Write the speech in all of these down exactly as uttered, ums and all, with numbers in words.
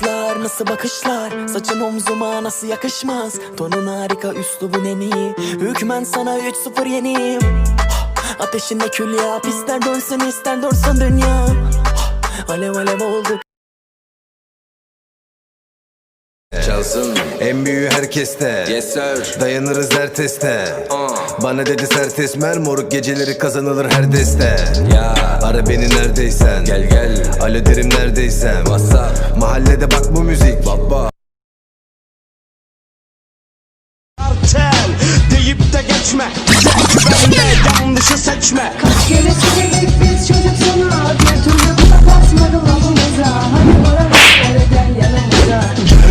kızlar, nasıl bakışlar, saçın omzuma nasıl yakışmaz. Tonun harika, üslubun en iyi, hükmen sana üç sıfır yeniyim. Ateşinde kül yap, ister dönsün ister dursun dünya. Alev alev olduk. Çalsın En büyüğü herkeste, yes sir. dayanırız her teste. uh. Bana dedi sert esmer, moruk geceleri kazanılır her deste. Ya Ara beni neredeysen, gel gel alo derim neredeysen. WhatsApp Mahallede bak bu müzik baba. Tel deyip de geçme, güzel güvenle yanlışı seçme. Kaç kere söyledik biz çocuk sana, bir türlü bu da basmadı lafımıza. Hadi bana ver gel yanımıza.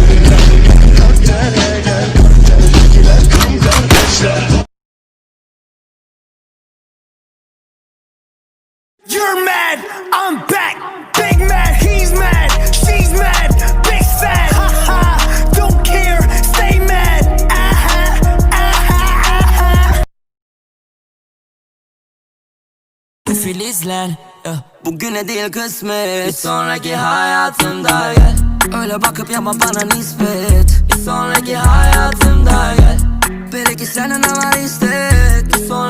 You're mad, I'm back. Big mad, he's mad, she's mad, big sad. Ha ha, don't care, stay mad. Aha, aha, aha. Filizler ya, bugüne değil kısmet, bir sonraki hayatımda gel. Öyle bakıp yapma bana nispet, bir sonraki hayatımda gel. Belki senden ne var istek, bir sonraki